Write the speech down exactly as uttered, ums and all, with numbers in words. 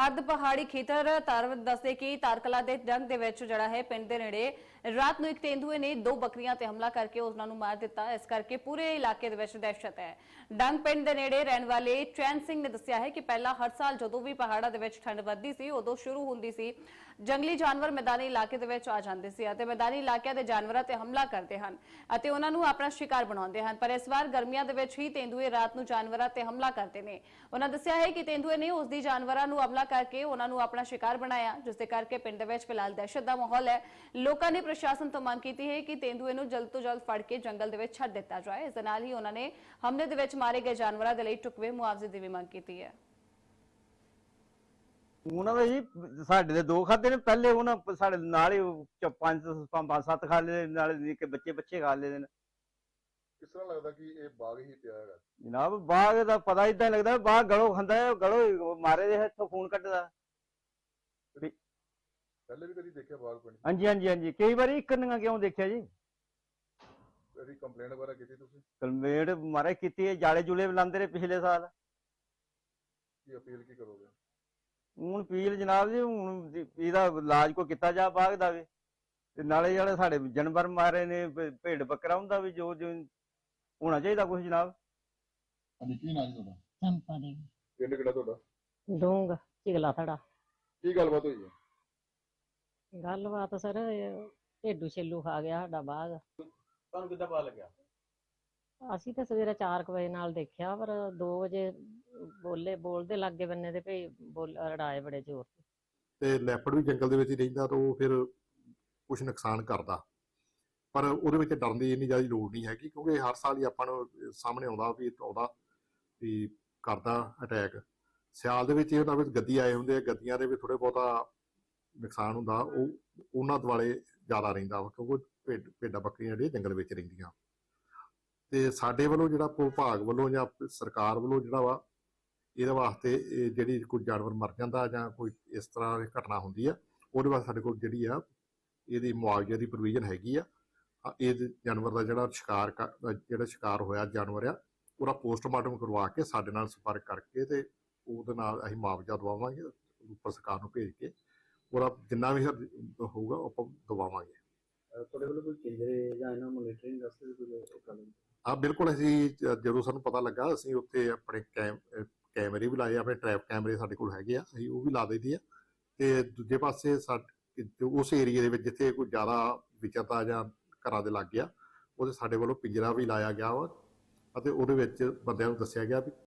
अर्ध पहाड़ी खेतर तार दसदे कि तारकला के डंग दे विच जिहड़ा है पिंड दे नेड़े रात नूं एक तेंदुए ने दो बकरियां ते हमला करके उन्हां नूं मार दिता। इस करके पूरे इलाके दे विच दहशत है। डंग पिंड दे नेड़े रहण वाले चैन सिंह ने दस्सिया है कि पहला हर साल जदों भी पहाड़ां दे विच ठंड वधदी सी उदों शुरू हुंदी सी जंगली जानवर मैदानी इलाके दे विच आ जांदे सी अते मैदानी इलाकिਆਂ ਦੇ ਜਾਨਵਰਾਂ ਤੇ ਹਮਲਾ ਕਰਦੇ ਹਨ ਅਤੇ ਉਹਨਾਂ ਨੂੰ ਆਪਣਾ ਸ਼ਿਕਾਰ ਬਣਾਉਂਦੇ ਹਨ। ਪਰ ਇਸ ਵਾਰ ਗਰਮੀਆਂ ਦੇ ਵਿੱਚ ਹੀ ਤੇਂਦੂਏ ਰਾਤ ਨੂੰ ਜਾਨਵਰਾਂ ਤੇ ਹਮਲਾ ਕਰਦੇ ਨੇ। ਉਹਨਾਂ ਦੱਸਿਆ ਹੈ ਕਿ ਤੇਂਦੂਏ ਨੇ ਉਸ ਦੀ ਜਾਨਵਰਾਂ ਨੂੰ ਹਮਲਾ ਕਰਕੇ ਉਹਨਾਂ ਨੂੰ ਆਪਣਾ ਸ਼ਿਕਾਰ ਬਣਾਇਆ, ਜਿਸ ਦੇ ਕਰਕੇ ਪਿੰਡ ਦੇ ਵਿੱਚ ਫਿਲਹਾਲ ਦਹਿਸ਼ਤ ਦਾ ਮਾਹੌਲ ਹੈ। ਲੋਕਾਂ ਨੇ ਪ੍ਰਸ਼ਾਸਨ ਤੋਂ ਮੰਗ ਕੀਤੀ ਹੈ ਕਿ ਤੇਂਦੂਏ ਨੂੰ ਜਲਦ ਤੋਂ ਜਲਦ ਫੜ ਕੇ ਜੰਗਲ ਦੇ ਵਿੱਚ ਛੱਡ ਦਿੱਤਾ ਜਾਏ। ਇਸ ਦੇ ਨਾਲ ਹੀ ਉਹਨਾਂ ਨੇ ਹਮਲੇ ਦੇ ਵਿੱਚ ਮਾਰੇ ਗਏ ਜਾਨਵਰਾਂ ਦੇ ਲਈ ਟੁਕਵੇ ਮੁਆਵਜ਼ੇ ਦੀ ਵੀ ਮੰਗ ਕੀਤੀ ਹੈ। ਉਹਨਾਂ ਜੀ ਸਾਡੇ ਦੇ ਦੋ ਖਾਦੇ ਨੇ ਪਹਿਲੇ ਉਹਨਾਂ ਸਾਡੇ ਨਾਲ ਹੀ ਪੰਜ ਪੰਜ ਸੱਤ ਖਾ ਲਏ ਨਾਲ ਨਿੱਕੇ ਬੱਚੇ ਬੱਚੇ ਖਾ ਲਏ ਨੇ। ਕਿਸ ਤਰ੍ਹਾਂ ਲੱਗਦਾ ਕਿ ਇਹ ਬਾਗ ਹੀ ਪਿਆ ਹੈਗਾ? ਜਨਾਬ ਬਾਗ ਦਾ ਪਤਾ ਇਦਾਂ ਲੱਗਦਾ ਬਾਗ ਗਲੋਂ ਖਾਂਦਾ ਹੈ, ਗਲੋਂ ਮਾਰੇ ਦੇ ਇੱਥੋਂ ਖੂਨ ਕੱਢਦਾ। ਪਹਿਲੇ ਵੀ ਕਦੀ ਦੇਖਿਆ ਬਾਗ ਪਿੰਡ? ਹਾਂਜੀ ਹਾਂਜੀ ਹਾਂਜੀ ਕਈ ਵਾਰੀ ਇਕੰਨੀਆਂ ਕਿਉਂ ਦੇਖਿਆ ਜੀ। ਕਦੀ ਕੰਪਲੇਂਟ ਵਗੈਰਾ ਕੀਤੀ ਤੁਸੀਂ? ਕੰਪਲੇਂਟ ਮਾਰੇ ਕੀਤੀ ਹੈ, ਜਾਲੇ ਜੁਲੇ ਲਾਉਂਦੇ ਰਹੇ ਪਿਛਲੇ ਸਾਲ। ਕੀ ਅਪੀਲ ਕੀ ਕਰੋਗੇ? ਹੁਣ ਅਪੀਲ ਜਨਾਬ ਜੀ ਹੁਣ ਇਹਦਾ ਇਲਾਜ ਕੋਈ ਕੀਤਾ ਜਾ ਬਾਗ ਦਾ ਵੀ, ਤੇ ਨਾਲੇ ਜਿਹੜੇ ਸਾਡੇ ਜਾਨਵਰ ਮਾਰੇ ਨੇ ਭੇਡ ਬੱਕਰਾ ਹੁੰਦਾ ਵੀ ਜੋ ਜੋ ਹੋਣਾ ਚਾਹੀਦਾ ਕੁਛ ਜਨਾਬ। ਹਾਂਜੀ ਕੀ ਨਾਂ ਜੀ ਤੁਹਾਡਾ? ਚੰਪਾ ਦੇਵੀ। ਪਿੰਡ ਕਿਹੜਾ ਤੁਹਾਡਾ? ਡੂੰਗ ਚਿਗਲਾ ਥੜਾ। ਕੀ ਗੱਲਬਾਤ ਹੋਈ ਹੈ? ਗੱਲਬਾਤ ਸਰ ਢੇਡੂ ਛੇਲੂ ਖਾ ਗਿਆ ਸਾਡਾ ਬਾਗ। ਤੁਹਾਨੂੰ ਕਿੱਦਾਂ ਪਤਾ ਲੱਗਿਆ? ਅਸੀਂ ਤਾਂ ਸਵੇਰੇ ਚਾਰ ਕੁ ਵਜੇ ਨਾਲ ਦੇਖਿਆ, ਪਰ ਦੋ ਵਜੇ ਬੋਲੇ ਬੋਲਦੇ ਲਾਗੇ ਬੰਨੇ ਤੇ ਭਈ ਬੋਲ ਰੜਾਏ ਬੜੇ ਜ਼ੋਰ ਤੇ। ਤੇ ਲੈਪੜ ਵੀ ਜੰਗਲ ਦੇ ਵਿੱਚ ਹੀ ਰਹਿੰਦਾ ਤਾਂ ਉਹ ਫਿਰ ਕੁਝ ਨੁਕਸਾਨ ਕਰਦਾ, ਪਰ ਉਹਦੇ ਵਿੱਚ ਡਰਨ ਦੀ ਇੰਨੀ ਜ਼ਿਆਦਾ ਲੋੜ ਨਹੀਂ ਹੈਗੀ ਕਿਉਂਕਿ ਹਰ ਸਾਲ ਹੀ ਆਪਾਂ ਨੂੰ ਸਾਹਮਣੇ ਆਉਂਦਾ ਵੀ ਆਉਂਦਾ ਵੀ ਕਰਦਾ ਅਟੈਕ। ਸਿਆਲ ਦੇ ਵਿੱਚ ਇਹ ਹੁੰਦਾ ਵੀ ਗੱਦੀ ਆਏ ਹੁੰਦੇ ਆ, ਗੱਦੀਆਂ ਦੇ ਵੀ ਥੋੜੇ ਬਹੁਤਾ ਨੁਕਸਾਨ ਹੁੰਦਾ, ਉਹ ਉਹਨਾਂ ਦੁਆਲੇ ਜ਼ਿਆਦਾ ਰਹਿੰਦਾ ਵਾ ਕਿਉਂਕਿ ਭੇਡ ਭੇਡਾਂ ਬੱਕਰੀਆਂ ਜਿਹੜੀਆਂ ਜੰਗਲ ਵਿੱਚ ਰਹਿੰਦੀਆਂ। ਤੇ ਸਾਡੇ ਵੱਲੋਂ ਜਿਹੜਾ ਵਿਭਾਗ ਵੱਲੋਂ ਜਾਂ ਸਰਕਾਰ ਵੱਲੋਂ ਜਿਹੜਾ ਵਾ ਇਹਦੇ ਵਾਸਤੇ ਇਹ ਜਿਹੜੀ ਕੋਈ ਜਾਨਵਰ ਮਰ ਜਾਂਦਾ ਜਾਂ ਕੋਈ ਇਸ ਤਰ੍ਹਾਂ ਦੀ ਘਟਨਾ ਹੁੰਦੀ ਆ ਉਹਦੇ ਵਾਸਤੇ ਸਾਡੇ ਕੋਲ ਜਿਹੜੀ ਆ ਇਹਦੀ ਮੁਆਵਜ਼ੇ ਦੀ ਪ੍ਰੋਵੀਜ਼ਨ ਹੈਗੀ ਆ। ਇਹ ਜਾਨਵਰ ਦਾ ਜਿਹੜਾ ਸ਼ਿਕਾਰ ਜਿਹੜਾ ਸ਼ਿਕਾਰ ਹੋਇਆ ਜਾਨਵਰ ਆ ਉਹਦਾ ਪੋਸਟਮਾਰਟਮ ਕਰਵਾ ਕੇ ਸਾਡੇ ਨਾਲ ਸੰਪਰਕ ਕਰਕੇ ਤੇ ਉਹਦੇ ਨਾਲ ਅਸੀਂ ਮੁਆਵਜ਼ਾ ਦਵਾਵਾਂਗੇ, ਉੱਪਰ ਸਰਕਾਰ ਨੂੰ ਭੇਜ ਕੇ ਉਹਦਾ ਜਿੰਨਾ ਵੀ ਹੋਊਗਾ ਆਪਾਂ ਦਵਾਵਾਂਗੇ। ਤੁਹਾਡੇ ਵੱਲੋਂ ਕੋਈ ਕੇਂਦਰੇ ਜਾਂ ਇਹਨਾਂ ਮੋਨੀਟਰਿੰਗ ਵਾਸਤੇ ਕੋਈ ਗੱਲ? ਹਾਂ ਬਿਲਕੁਲ, ਅਸੀਂ ਜਦੋਂ ਸਾਨੂੰ ਪਤਾ ਲੱਗਾ ਅਸੀਂ ਉੱਥੇ ਆਪਣੇ ਕੈਮ ਕੈਮਰੇ ਵੀ ਲਾਏ, ਆਪਣੇ ਟਰੈਪ ਕੈਮਰੇ ਸਾਡੇ ਕੋਲ ਹੈਗੇ ਆ, ਅਸੀਂ ਉਹ ਵੀ ਲਾ ਦਈਦੀ ਆ। ਤੇ ਦੂਜੇ ਪਾਸੇ ਸਾਡੇ ਉਸ ਏਰੀਏ ਦੇ ਵਿੱਚ ਜਿੱਥੇ ਕੋਈ ਜ਼ਿਆਦਾ ਵਿਚਰਤਾ ਜਾਂ ਘਰਾਂ ਦੇ ਲੱਗ ਗਿਆ ਉਹਦੇ ਸਾਡੇ ਵੱਲੋਂ ਪਿੰਜਰਾ ਵੀ ਲਾਇਆ ਗਿਆ ਵਾ ਅਤੇ ਉਹਦੇ ਵਿੱਚ ਬੰਦਿਆਂ ਨੂੰ ਦੱਸਿਆ ਗਿਆ ਵੀ